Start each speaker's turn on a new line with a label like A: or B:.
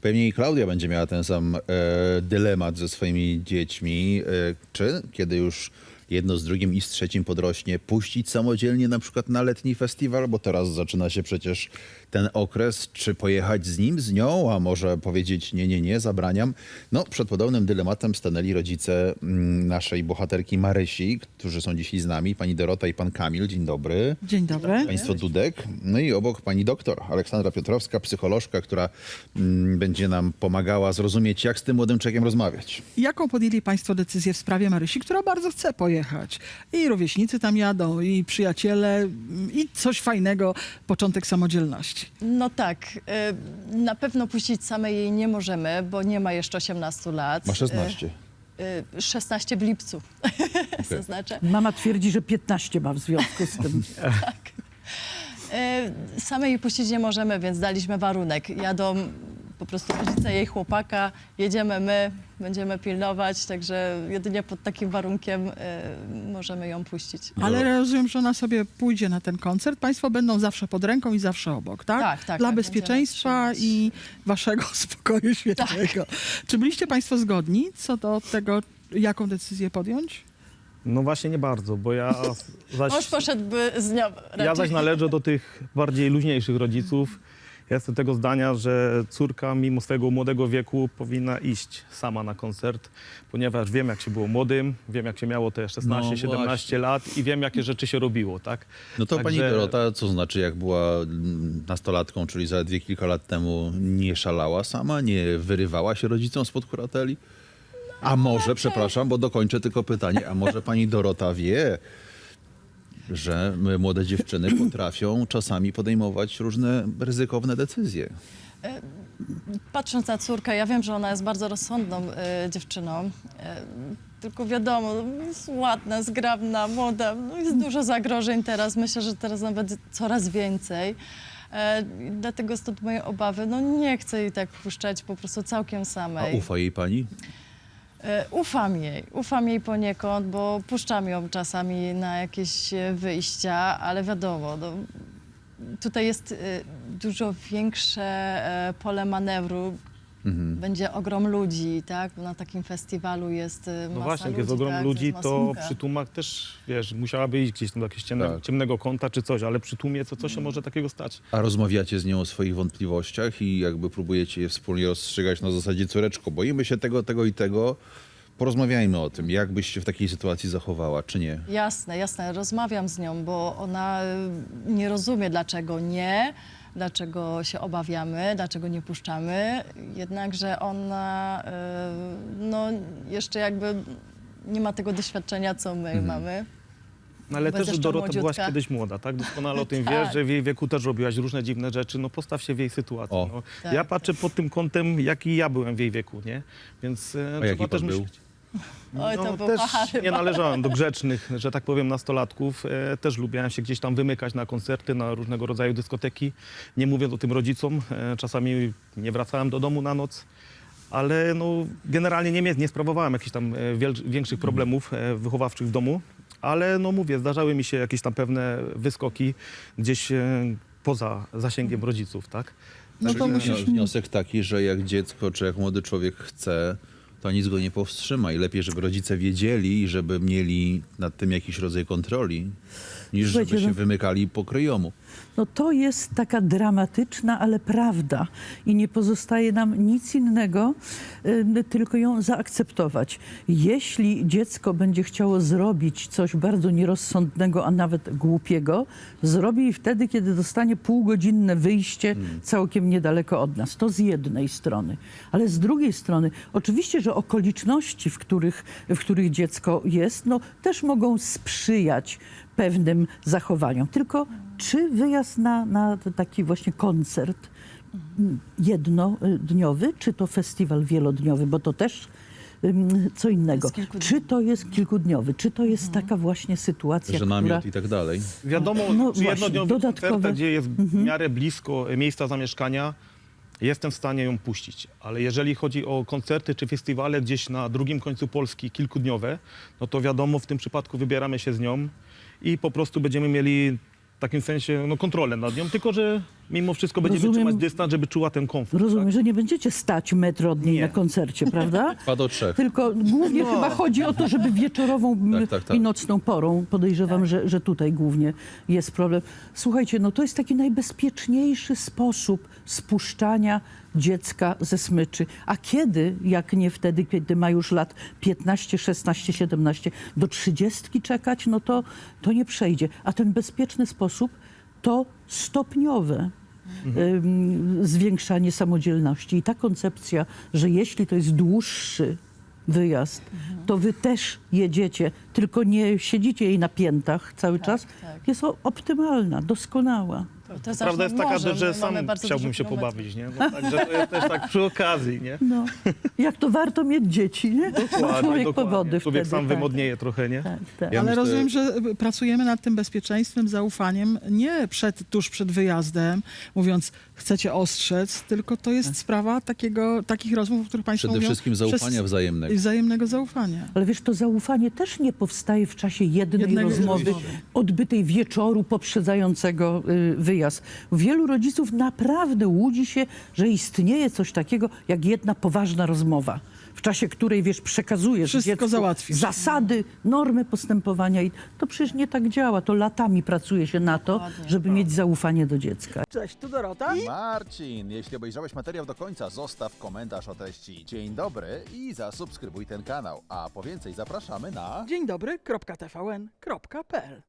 A: Pewnie i Klaudia będzie miała ten sam dylemat ze swoimi dziećmi. Czy kiedy już jedno z drugim i z trzecim podrośnie, puścić samodzielnie na przykład na letni festiwal, bo teraz zaczyna się przecież ten okres, czy pojechać z nim, z nią, a może powiedzieć nie, nie, nie, zabraniam. No, przed podobnym dylematem stanęli rodzice naszej bohaterki Marysi, którzy są dzisiaj z nami, pani Dorota i pan Kamil. Dzień dobry.
B: Dzień dobry.
A: Państwo Dudek. No i obok pani doktor Aleksandra Piotrowska, psycholożka, która będzie nam pomagała zrozumieć, jak z tym młodym człowiekiem rozmawiać.
B: Jaką podjęli Państwo decyzję w sprawie Marysi, która bardzo chce pojechać? I rówieśnicy tam jadą, i przyjaciele, i coś fajnego, początek samodzielności.
C: No tak, na pewno puścić samej jej nie możemy, bo nie ma jeszcze 18 lat.
A: Ma 16.
C: 16 w lipcu, zaznaczę.
D: Mama twierdzi, że 15 ma w związku z tym.
C: Samej jej puścić nie możemy, więc daliśmy warunek. Jadą po prostu rodzice jej chłopaka, jedziemy my, będziemy pilnować, także jedynie pod takim warunkiem możemy ją puścić.
B: Ale rozumiem, że ona sobie pójdzie na ten koncert. Państwo będą zawsze pod ręką i zawsze obok, tak?
C: Tak, tak,
B: Dla
C: tak,
B: bezpieczeństwa
C: będziemy trzymać.
B: i waszego spokoju świętego. Czy byliście Państwo zgodni co do tego, jaką decyzję podjąć?
E: No właśnie nie bardzo, bo
C: Mąż poszedłby z nią raczej.
E: ja zaś należę do tych bardziej luźniejszych rodziców. Ja jestem tego zdania, że córka mimo swojego młodego wieku powinna iść sama na koncert, ponieważ wiem, jak się było młodym, wiem, jak się miało te 16-17
A: właśnie.
E: lat i wiem, jakie rzeczy się robiło, tak?
A: No to pani
E: Także-
A: Dorota, co znaczy, jak była nastolatką, czyli zaledwie kilka lat temu, nie szalała sama, nie wyrywała się rodzicom spod kurateli? A może, przepraszam, bo dokończę tylko pytanie, a może pani Dorota wie, że młode dziewczyny potrafią czasami podejmować różne ryzykowne decyzje?
C: Patrząc na córkę, ja wiem, że ona jest bardzo rozsądną dziewczyną. Tylko wiadomo, jest ładna, zgrabna, młoda. No jest dużo zagrożeń teraz. Myślę, że teraz nawet coraz więcej. Dlatego stąd moje obawy. No nie chcę jej tak puszczać po prostu całkiem
A: A
C: samej.
A: ufa jej pani?
C: Ufam jej poniekąd, bo puszczam ją czasami na jakieś wyjścia, ale wiadomo, no, tutaj jest dużo większe pole manewru. Będzie ogrom ludzi, tak? Na takim festiwalu jest masa
E: No właśnie, jak
C: ludzi,
E: jest ogrom
C: tak?
E: ludzi,
C: jest
E: to
C: masówka.
E: przy tłumach też, wiesz, musiałaby iść gdzieś tam do jakiegoś
A: Tak.
E: ciemnego kąta czy coś, ale przy tłumie co się może takiego stać?
A: A rozmawiacie z nią o swoich wątpliwościach i jakby próbujecie je wspólnie rozstrzygać na zasadzie córeczko, boimy się tego, tego i tego. Porozmawiajmy o tym, jak byś się w takiej sytuacji zachowała, czy nie?
C: Jasne, jasne. Rozmawiam z nią, bo ona nie rozumie, dlaczego nie, dlaczego się obawiamy, dlaczego nie puszczamy. Jednakże ona no, jeszcze jakby nie ma tego doświadczenia, co my mamy.
E: No ale
C: Bo
E: też
C: jeszcze
E: Dorota byłaś
C: młodziutka.
E: kiedyś młoda, tak? Doskonale o tym
C: Tak.
E: wiesz, że w jej wieku też robiłaś różne dziwne rzeczy. No postaw się w jej sytuacji.
A: O.
E: No.
C: Tak,
E: Ja
C: tak.
E: patrzę pod tym kątem, jaki ja byłem w jej wieku, nie? Więc
A: A jaki pan był?
C: Oj, to był
E: też
C: pachar
E: nie
C: chyba.
E: należałem do grzecznych, że tak powiem, nastolatków. Też lubiłem się gdzieś tam wymykać na koncerty, na różnego rodzaju dyskoteki. Nie mówiąc o tym rodzicom. Czasami nie wracałem do domu na noc. Ale no, generalnie nie sprawowałem jakichś tam większych problemów wychowawczych w domu. Ale no mówię, zdarzały mi się jakieś tam pewne wyskoki gdzieś poza zasięgiem rodziców, tak?
B: No to
A: Czyli
B: musisz...
A: wniosek taki, że jak dziecko czy jak młody człowiek chce, to nic go nie powstrzyma i lepiej, żeby rodzice wiedzieli i żeby mieli nad tym jakiś rodzaj kontroli, niż żeby
D: Słuchajcie,
A: się
D: no-
A: wymykali po kryjomu.
D: No to jest taka dramatyczna, ale prawda. I nie pozostaje nam nic innego, tylko ją zaakceptować. Jeśli dziecko będzie chciało zrobić coś bardzo nierozsądnego, a nawet głupiego, zrobi wtedy, kiedy dostanie półgodzinne wyjście całkiem niedaleko od nas. To z jednej strony. Ale z drugiej strony, oczywiście, że okoliczności, w których dziecko jest, no, też mogą sprzyjać pewnym zachowaniom. Tylko czy wyjazd na taki właśnie koncert jednodniowy, czy to festiwal wielodniowy, bo to też co innego.
C: jest kilkudniowy.
D: Czy to jest kilkudniowy, czy to jest taka właśnie sytuacja,
A: Że
D: która...
A: namiot i tak dalej.
E: Wiadomo,
D: No
E: przy
D: właśnie,
E: jednodniowym
D: dodatkowe-
E: koncercie, gdzie jest w miarę blisko miejsca zamieszkania, jestem w stanie ją puścić. Ale jeżeli chodzi o koncerty czy festiwale gdzieś na drugim końcu Polski, kilkudniowe, no to wiadomo, w tym przypadku wybieramy się z nią i po prostu będziemy mieli w takim sensie no, kontrolę nad nią, tylko że mimo wszystko będziemy
D: Rozumiem.
E: trzymać dystans, żeby czuła ten komfort.
D: Rozumiem, że nie będziecie stać metr od niej
E: Nie.
D: na koncercie, prawda?
A: 2 do 3.
D: Tylko głównie chyba chodzi o to, żeby wieczorową
A: Tak.
D: i nocną porą. Podejrzewam, że tutaj głównie jest problem. Słuchajcie, no to jest taki najbezpieczniejszy sposób spuszczania dziecka ze smyczy. A kiedy, jak nie wtedy, kiedy ma już lat 15, 16, 17, do 30 czekać, no to nie przejdzie. A ten bezpieczny sposób to stopniowe zwiększanie samodzielności. I ta koncepcja, że jeśli to jest dłuższy wyjazd, to wy też jedziecie, tylko nie siedzicie jej na piętach cały czas,
C: tak.
D: jest optymalna, doskonała.
C: To jest
E: Prawda
C: aż
E: jest
C: nad
E: taka,
C: morzem,
E: że
C: my
E: sam
C: mamy bardzo
E: chciałbym
C: dużo
E: się
C: kilometrów.
E: pobawić, nie? No, także to jest też tak przy okazji, nie?
D: No, jak to warto mieć dzieci, nie? Człowiek powody
E: Człowiek
D: wtedy.
E: sam
D: tak.
E: wymodnieje trochę, nie?
D: Tak, tak.
A: Ja
B: Ale
A: myślę-
B: rozumiem, że pracujemy nad tym bezpieczeństwem, zaufaniem nie tuż przed wyjazdem, mówiąc chcecie ostrzec, tylko to jest sprawa takich rozmów, o których Państwo
A: Przede
B: mówią.
A: wszystkim zaufania wzajemnego.
B: I wzajemnego zaufania.
D: Ale wiesz, to zaufanie też nie powstaje w czasie jednej
B: Jednego
D: rozmowy
B: rozmowy.
D: odbytej wieczoru poprzedzającego wyjazd. Wielu rodziców naprawdę łudzi się, że istnieje coś takiego jak jedna poważna rozmowa, w czasie której, wiesz, przekazujesz
B: Wszystko
D: dziecku
B: załatwisz.
D: zasady, normy postępowania i to przecież nie tak działa. To latami pracuje się na to,
C: Dokładnie.
D: żeby mieć zaufanie do dziecka.
B: Cześć, tu Dorota.
A: Marcin, jeśli obejrzałeś materiał do końca, zostaw komentarz o treści dzień dobry i zasubskrybuj ten kanał. A po więcej zapraszamy na...
B: Dzień dobry, .tvn.pl